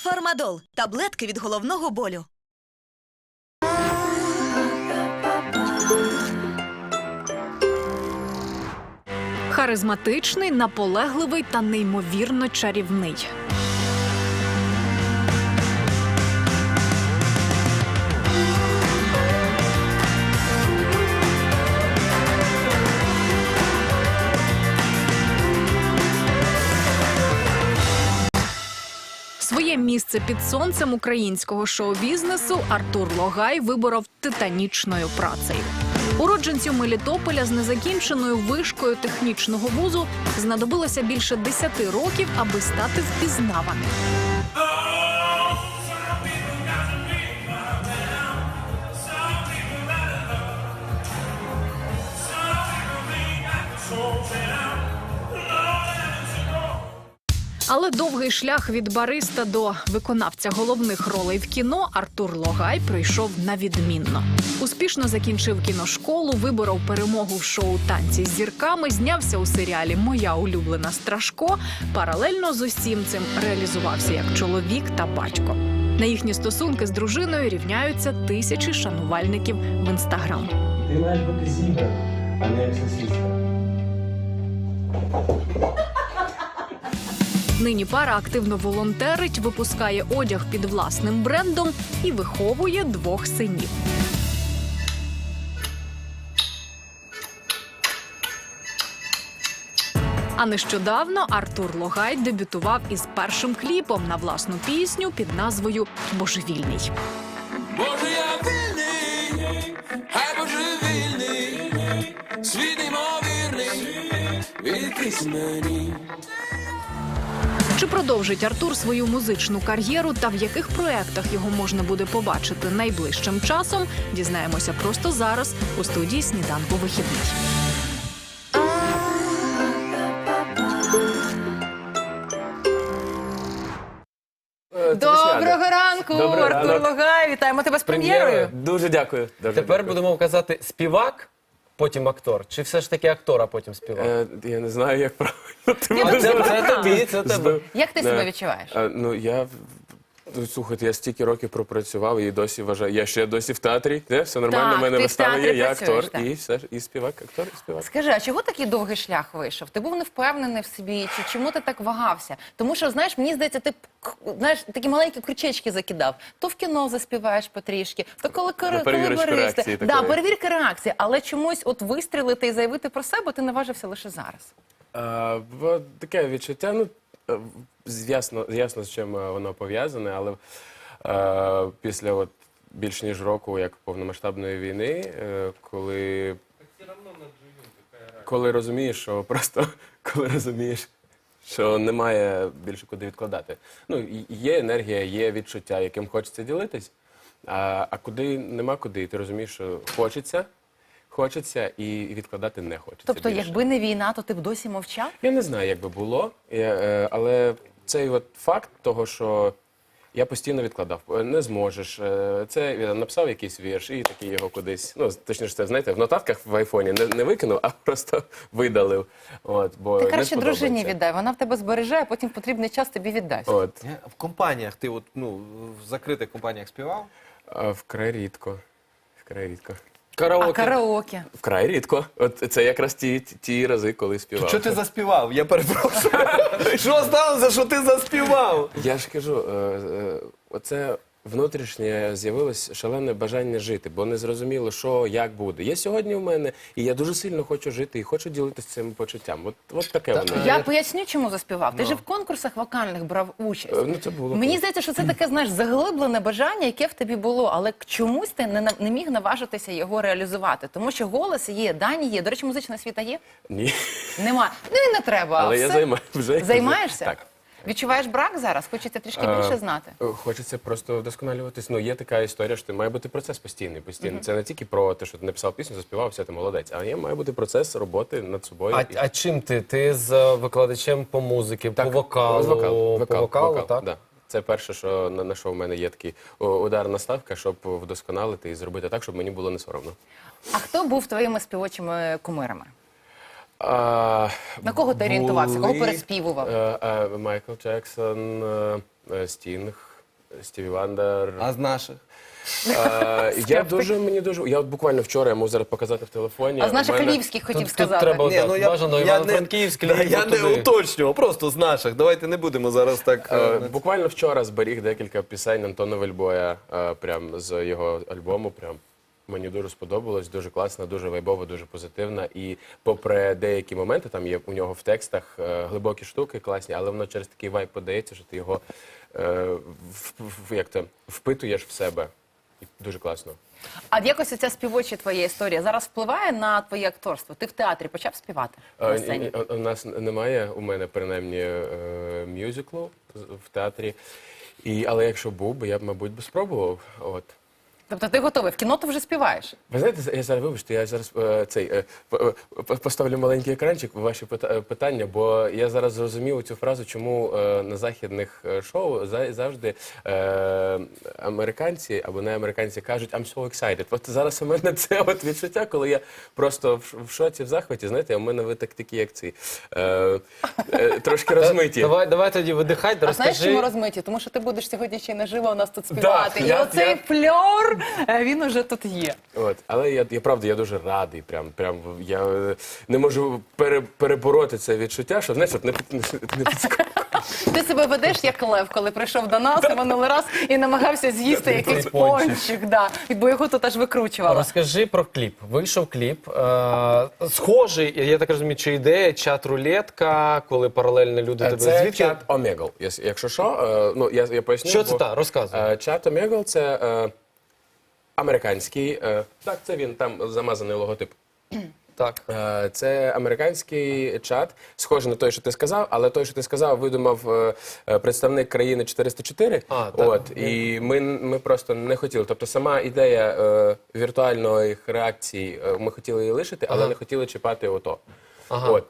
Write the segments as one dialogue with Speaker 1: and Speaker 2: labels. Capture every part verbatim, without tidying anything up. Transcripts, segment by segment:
Speaker 1: Фармадол – таблетки від головного болю.
Speaker 2: Харизматичний, наполегливий та неймовірно чарівний. Своє місце під сонцем українського шоу-бізнесу Артур Логай виборов титанічною працею. Уродженцю Мелітополя з незакінченою вишкою технічного вузу знадобилося більше десяти років, аби стати впізнаваним. Але довгий шлях від бариста до виконавця головних ролей в кіно Артур Логай пройшов на відмінно. Успішно закінчив кіношколу, виборов перемогу в шоу «Танці з зірками», знявся у серіалі «Моя улюблена Страшко», паралельно з усім цим реалізувався як чоловік та батько. На їхні стосунки з дружиною рівняються тисячі шанувальників в Інстаграм.
Speaker 3: Ти маєш бути зібрана, а не як сосиска.
Speaker 2: Нині пара активно волонтерить, випускає одяг під власним брендом і виховує двох синів. А нещодавно Артур Логай дебютував із першим кліпом на власну пісню під назвою «Божевільний».
Speaker 4: Боже, я вільний, хай божевільний, світ неймовірний, відкрийся мені.
Speaker 2: Чи продовжить Артур свою музичну кар'єру та в яких проєктах його можна буде побачити найближчим часом, дізнаємося просто зараз у студії «Сніданку вихідний».
Speaker 5: Доброго ранку,
Speaker 6: Добрий
Speaker 5: Артур
Speaker 6: ранок.
Speaker 5: Логай. Вітаємо тебе з прем'єрою.
Speaker 6: Дуже дякую. Дуже
Speaker 7: Тепер
Speaker 6: дякую.
Speaker 7: будемо казати співак, потім актор. Чи все ж таки актор, а потім співак?
Speaker 6: Е, я не знаю, як правильно. Ти
Speaker 5: Я
Speaker 6: мене
Speaker 5: дуже
Speaker 7: Це,
Speaker 6: зараз
Speaker 7: це тобі, це тебе.
Speaker 5: Як ти
Speaker 6: Да.
Speaker 5: себе відчуваєш?
Speaker 6: Е, ну, я... ну, Слухайте, я стільки років пропрацював і досі вважаю. Я ще досі в театрі, де? Все нормально,
Speaker 5: Так,
Speaker 6: в мене
Speaker 5: ти в
Speaker 6: вистава
Speaker 5: театрі
Speaker 6: є, я
Speaker 5: працюєш,
Speaker 6: актор,
Speaker 5: так.
Speaker 6: і все ж, і співак, актор, і співак.
Speaker 5: Скажи, а чого такий довгий шлях вийшов? Ти був невпевнений в собі, чи чому ти так вагався? Тому що, знаєш, мені здається, ти к- знаєш, такі маленькі крючечки закидав. То в кіно заспіваєш потрішки, то коли, коли, коли
Speaker 6: перевірочку
Speaker 5: бариста.
Speaker 6: реакції
Speaker 5: Да,
Speaker 6: такої.
Speaker 5: перевірка реакції. Але чомусь от вистрілити і заявити про себе ти наважився лише зараз.
Speaker 6: А, бо таке відчуття, ну, е, з- ясно, ясно, з чим е, воно пов'язане, але е, після от, більш ніж року, як повномасштабної війни, е, коли, коли розумієш, що просто, коли розумієш, що немає більше куди відкладати. Ну, і- є енергія, є відчуття, яким хочеться ділитись, а, а куди нема куди, ти розумієш, що хочеться, хочеться і відкладати не хочеться.
Speaker 5: Тобто,
Speaker 6: більше.
Speaker 5: якби не війна, то ти б досі мовчав?
Speaker 6: Я не знаю, як би було, я, е, але цей от факт того, що я постійно відкладав. Е, Не зможеш. е, Це я написав якийсь вірш і такий його кудись. Ну, точніше, це знаєте, в нотатках в айфоні не, не викинув, а просто видалив. От, бо
Speaker 5: Ти
Speaker 6: не
Speaker 5: краще дружині
Speaker 6: сподобається.
Speaker 5: віддай, вона в тебе збереже, а потім в потрібний час тобі віддасть.
Speaker 6: От,
Speaker 7: В компаніях ти от, ну, в закритих компаніях співав?
Speaker 6: а вкрай рідко. Вкрай рідко.
Speaker 7: Караоке.
Speaker 5: А караоке?
Speaker 6: Вкрай рідко. От це якраз ті, ті рази, коли співав.
Speaker 7: Що ти заспівав? Я перепрошую. Що сталося, що ти заспівав?
Speaker 6: Я ж кажу, е, е, оце внутрішнє з'явилось шалене бажання жити, бо не зрозуміло, що, як буде. Є сьогодні в мене, і я дуже сильно хочу жити, і хочу ділитися цим почуттям. От, от таке воно.
Speaker 5: Я поясню, чому заспівав. Ти ж в конкурсах вокальних брав участь.
Speaker 6: Е, Ну, це було.
Speaker 5: Мені
Speaker 6: колись.
Speaker 5: здається, що це таке, знаєш, заглиблене бажання, яке в тобі було, але чомусь ти не, на- не міг наважитися його реалізувати. Тому що голос є, дані є. До речі, музична освіта є?
Speaker 6: Ні.
Speaker 5: Нема. Ну і не треба.
Speaker 6: Але
Speaker 5: все.
Speaker 6: я займаю вже.
Speaker 5: Займаєшся?
Speaker 6: Так.
Speaker 5: Відчуваєш брак зараз? Хочеться трішки
Speaker 6: Е,
Speaker 5: більше знати.
Speaker 6: е, Хочеться просто вдосконалюватись. Ну, є така історія, що ти має бути процес постійний. постійний. Це не тільки про те, що ти написав пісню, заспівав, все, ти молодець. А є має бути процес роботи над собою.
Speaker 7: А,
Speaker 6: І-
Speaker 7: а чим ти? Ти з е, викладачем по музиці, по вокалу?
Speaker 6: з вокал, вокал,
Speaker 7: по вокалу,
Speaker 6: вокал,
Speaker 7: так?
Speaker 6: Да. Це перше, що на, на що в мене є такий о, ударна ставка, щоб вдосконалити і зробити так, щоб мені було не соромно.
Speaker 5: А хто був твоїми співочими кумирами?
Speaker 6: А,
Speaker 5: На кого ти орієнтувався? Кого
Speaker 6: були,
Speaker 5: переспівував?
Speaker 6: е, е, Майкл Джексон, е, е, Стінг, Стіві Вандер.
Speaker 7: А з наших?
Speaker 6: Е, я дуже, мені дуже, я от буквально вчора, я можу зараз показати в телефоні.
Speaker 5: А з наших
Speaker 6: У мене-
Speaker 5: львівських хотів
Speaker 8: Тут- тут
Speaker 5: сказати.
Speaker 8: треба-
Speaker 7: Ні,
Speaker 8: так,
Speaker 7: ну, я,
Speaker 8: бажано
Speaker 7: я
Speaker 8: Івано-Франківськ,
Speaker 7: не, да,
Speaker 8: Львів,
Speaker 7: я не
Speaker 8: туди.
Speaker 7: уточнював, просто з наших. Давайте не будемо зараз так...
Speaker 6: Е,
Speaker 7: е,
Speaker 6: Буквально вчора зберіг декілька пісень Антона Вельбоя, е, прям з його альбому. Прям мені дуже сподобалось, дуже класно, дуже вайбово, дуже позитивна. І попри деякі моменти, там є у нього в текстах е, глибокі штуки, класні, але воно через такий вайб подається, що ти його е, в, в- як то, впитуєш в себе. І дуже класно.
Speaker 5: А якось оця співоча твоя історія зараз впливає на твоє акторство? Ти в театрі почав співати на
Speaker 6: Е,
Speaker 5: сцені?
Speaker 6: ні, У нас немає, у мене принаймні е, мюзиклу з- в театрі. І, але якщо був би, я б, мабуть, би спробував. От.
Speaker 5: Тобто ти готовий? В кіно ти вже співаєш?
Speaker 6: Ви знаєте, я зараз, вибачте, я зараз е, цей е, п- п- поставлю маленький екранчик в ваші пита- е, питання, бо я зараз зрозумів цю фразу, чому е, на західних е, шоу за- завжди е, американці або не американці кажуть I'm so excited. От зараз у мене це от відчуття, коли я просто в, ш- в шоці, в захваті, знаєте, у мене ви так такі, як ці, е, е, трошки розмиті.
Speaker 8: Давай, давай тоді видихай,
Speaker 5: А знаєш, чому
Speaker 8: розкажи.
Speaker 5: розмиті? Тому що ти будеш сьогодні ще й наживо у нас тут співати. І
Speaker 6: я-
Speaker 5: оцей
Speaker 6: я-
Speaker 5: фльор, е, він уже тут є.
Speaker 6: От, але я, я правда, я дуже радий. Прям, прям я е, не можу пере, перебороти це відчуття, що знаєш, щоб не, під- не, не підскочити.
Speaker 5: Ти себе ведеш як лев, коли прийшов до нас і минулий раз і намагався з'їсти якийсь
Speaker 8: пончик.
Speaker 5: пончик, да, бо його тут аж викручувало.
Speaker 8: Розкажи про кліп. Вийшов кліп. Е, схожий, я так розумію, чи ідея, чат-рулетка, коли паралельно люди тебе...
Speaker 6: Це
Speaker 8: Звідки?
Speaker 6: чат Омегл. Якщо що, е, ну я, я поясню.
Speaker 8: Що це
Speaker 6: бо,
Speaker 8: та? Розказуй.
Speaker 6: е, Чат Омегл це е, американський. е, Так, це він там замазаний логотип.
Speaker 8: Так.
Speaker 6: Е, Це американський чат, схожий на той, що ти сказав, але той, що ти сказав, видумав е, е, представник країни чотириста чотири.
Speaker 8: А, так.
Speaker 6: От, і ми, ми просто не хотіли. Тобто сама ідея е, віртуальної реакції, е, ми хотіли її лишити, але
Speaker 8: Ага.
Speaker 6: не хотіли чіпати ото.
Speaker 8: Ага.
Speaker 6: От.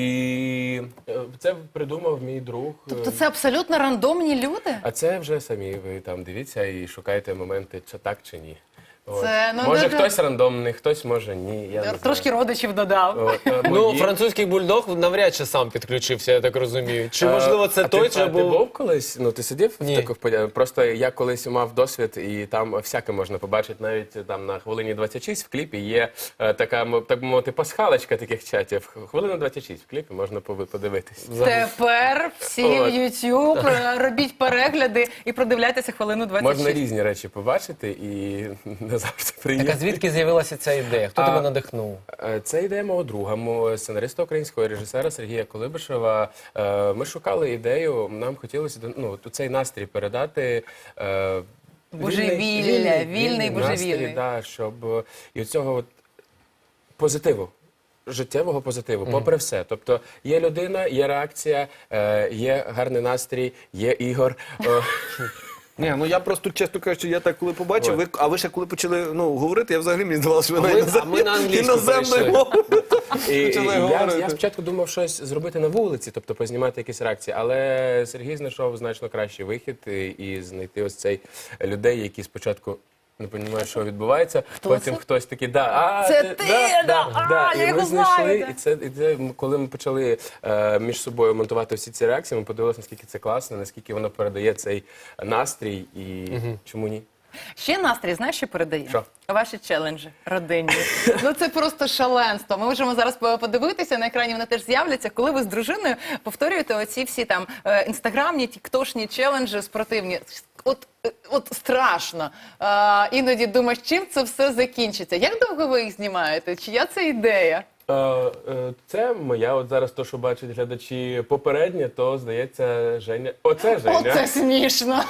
Speaker 6: І е, це придумав мій друг. е,
Speaker 5: Тобто це абсолютно рандомні люди?
Speaker 6: А це вже самі ви там дивіться і шукайте моменти, чи так, чи ні. От.
Speaker 5: Це, ну,
Speaker 6: може
Speaker 5: дуже-
Speaker 6: хтось рандомний, хтось може ні. Я не
Speaker 5: Трошки
Speaker 6: знаю.
Speaker 5: родичів додав.
Speaker 6: От, е,
Speaker 8: Ну,
Speaker 6: мої-
Speaker 8: французький бульдог навряд чи сам підключився, я так розумію. Чи,
Speaker 6: Е,
Speaker 8: можливо, це
Speaker 6: а
Speaker 8: той,
Speaker 6: ти,
Speaker 8: чи
Speaker 6: а ти
Speaker 8: був...
Speaker 6: був колись? Ну, ти сидів
Speaker 8: Ні.
Speaker 6: в таких подіях? Просто я колись мав досвід, і там всяке можна побачити. Навіть там на хвилині двадцять шість в кліпі є е, така, м- так би мовити, пасхалочка таких чатів. Хвилина двадцять шість в кліпі можна пови- подивитись.
Speaker 5: Тепер всі в
Speaker 6: От.
Speaker 5: YouTube е, робіть перегляди і продивляйтеся хвилину двадцять шість.
Speaker 6: Можна різні речі побачити і не завжди
Speaker 8: Так, а
Speaker 6: приємно.
Speaker 8: звідки з'явилася ця ідея? Хто
Speaker 6: А,
Speaker 8: тебе надихнув?
Speaker 6: Е, Це ідея мого друга, мого сценариста українського режисера Сергія Колибишева. Е, Ми шукали ідею, нам хотілося ну, цей настрій передати. е,
Speaker 5: Божевілля, вільний
Speaker 6: настрій,
Speaker 5: божевільний.
Speaker 6: да, щоб е, і от цього от позитиву. Життєвого позитиву, попри все. Тобто є людина, є реакція, е, є гарний настрій, є Ігор. Е,
Speaker 7: Ні, ну я просто, чесно кажучи, я так коли побачив,
Speaker 6: От.
Speaker 7: ви, а ви ще коли почали ну, говорити, я взагалі мені здавалося, що ви
Speaker 8: А
Speaker 7: на
Speaker 8: ми-
Speaker 7: інозем-
Speaker 8: а ми на англійську
Speaker 7: іноземною
Speaker 8: перейшли.
Speaker 7: мовою.
Speaker 6: І, і
Speaker 7: Почали
Speaker 6: я,
Speaker 7: говорити.
Speaker 6: я спочатку думав щось зробити на вулиці, тобто познімати якісь реакції, але Сергій знайшов значно кращий вихід і, і знайти ось цей людей, які спочатку не розуміють, що відбувається. Потім
Speaker 5: це?
Speaker 6: хтось такий, да, а,
Speaker 5: Це ти, да, а,
Speaker 6: І
Speaker 5: я
Speaker 6: ми
Speaker 5: його
Speaker 6: знайшли,
Speaker 5: знаю, да.
Speaker 6: і це, і це, коли ми почали е, між собою монтувати всі ці реакції, ми подивилися, наскільки це класно, наскільки воно передає цей настрій і чому ні.
Speaker 5: Ще настрій, знаєш, що передає?
Speaker 6: Що?
Speaker 5: Ваші челенджі родинні. Ну це просто шаленство. Ми можемо зараз по- подивитися, на екрані вони теж з'являться, коли ви з дружиною повторюєте оці всі там е, інстаграмні, тіктошні челенджі спортивні. От, е, от страшно. А, іноді думаєш, чим це все закінчиться. Як довго ви їх знімаєте? Чия це ідея?
Speaker 6: Е, е, Це моя, от зараз то, що бачать глядачі попереднє, то, здається, Женя. Оце Женя.
Speaker 5: Оце смішно.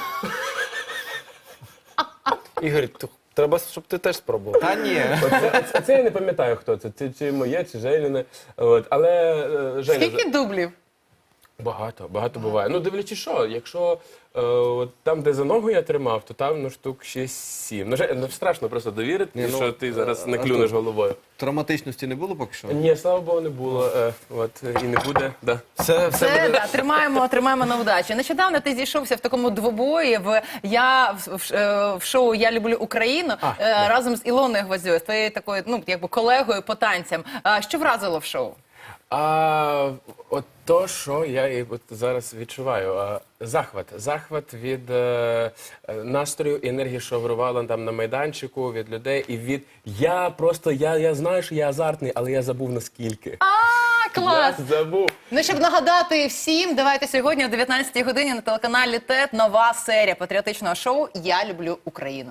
Speaker 8: Ігор, ту- треба, щоб ти теж спробував.
Speaker 7: Та ні.
Speaker 6: Оце, це, це я не пам'ятаю, хто це, чи, чи моє, чи Женіне. От, але е, Женя,
Speaker 5: Скільки дублів?
Speaker 6: багато, багато буває. Ну, дивлячись що, якщо е, от там, де за ногу я тримав, то там ну, штук шість-сім. Ну, Жень, ну, страшно просто довірити,
Speaker 7: Ні, ну,
Speaker 6: що ти зараз не
Speaker 7: а
Speaker 6: клюнеш
Speaker 7: то-
Speaker 6: головою.
Speaker 7: Травматичності не було поки що?
Speaker 6: Ні, слава Богу, не було. Е, от, і не буде. Да.
Speaker 8: Все, все
Speaker 5: Це
Speaker 8: буде...
Speaker 5: да, тримаємо, тримаємо на удачі. Нещодавно ти зійшовся в такому двобої в я в, в, е, в шоу Я люблю Україну
Speaker 6: А,
Speaker 5: е,
Speaker 6: да.
Speaker 5: разом з Ілоною Гвоздьою, з твоєю такою, ну якби колегою по танцям. А що вразило в шоу?
Speaker 6: А от То, що я і от зараз відчуваю, а, захват. Захват від е, е, настрою і енергії, що вирувала там на майданчику, від людей, і від я просто, я, я знаю, що я азартний, але я забув наскільки.
Speaker 5: А, клас!
Speaker 6: Я забув.
Speaker 5: Ну, щоб нагадати всім, давайте сьогодні о дев'ятнадцятій годині на телеканалі ТЕТ нова серія патріотичного шоу «Я люблю Україну».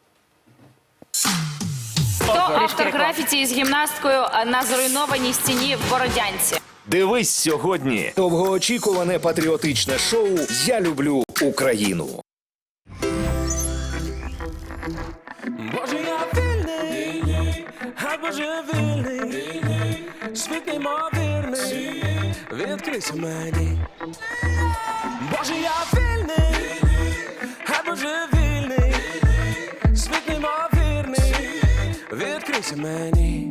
Speaker 9: Хто автор графіті із гімнасткою на зруйнованій стіні в Бородянці?
Speaker 10: Дивись сьогодні. Довгоочікуване патріотичне шоу «Я люблю Україну».
Speaker 4: Боже, я вільний, хай Боже вільний, світ неймовірний, відкрийся мені. Боже, я вільний, хай Боже вільний, світ неймовірний, відкрийся мені.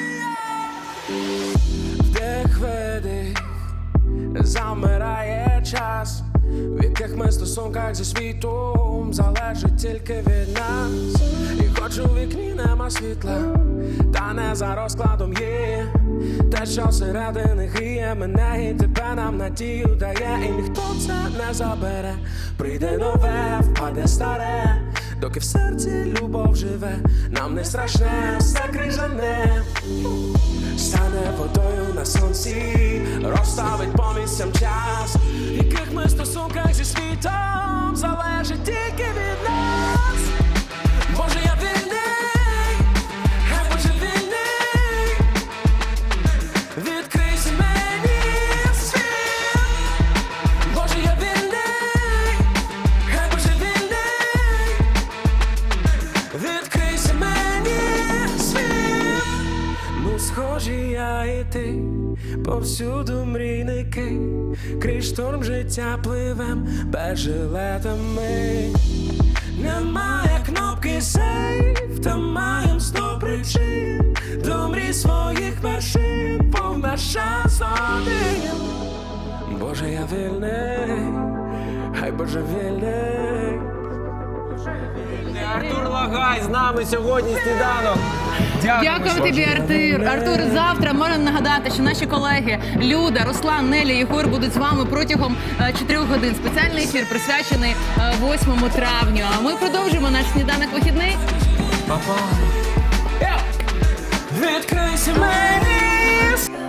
Speaker 4: Вдих, видих, замирає час, в яких ми стосунках зі світом залежить тільки від нас. І хоч у вікні нема світла, та не за розкладом є те, що всередини гріє мене і тебе нам надію дає. І ніхто це не забере, прийде нове, впаде старе, доки в серці любов живе, нам не страшне, все крижане. Стане водою на сонці, розставить по місцям час, в яких ми стосунках зі світом залежить тільки від нас. Боже, я вільний, хай Боже вільний, відкрийся мені світ. Боже, я вільний, хай Боже вільний, відкрийся мені світ. Ну, схожі я і ти, повсюду мрійники, крізь шторм життя пливем без жилетами. Немає кнопки сейф, та маєм сто причин до мрій своїх вершин, повна шанс один. Боже, я вільний, хай Боже вільний.
Speaker 8: Артур Лагай з нами сьогодні сніданок.
Speaker 5: Дякую тобі, Артур. Артур, завтра можемо нагадати, що наші колеги Люда, Руслан, Неля, Єгор будуть з вами протягом е, чотирьох годин. Спеціальний ефір присвячений е, восьмому травню. А ми продовжимо наш сніданок вихідний.
Speaker 4: Відкрийся мені.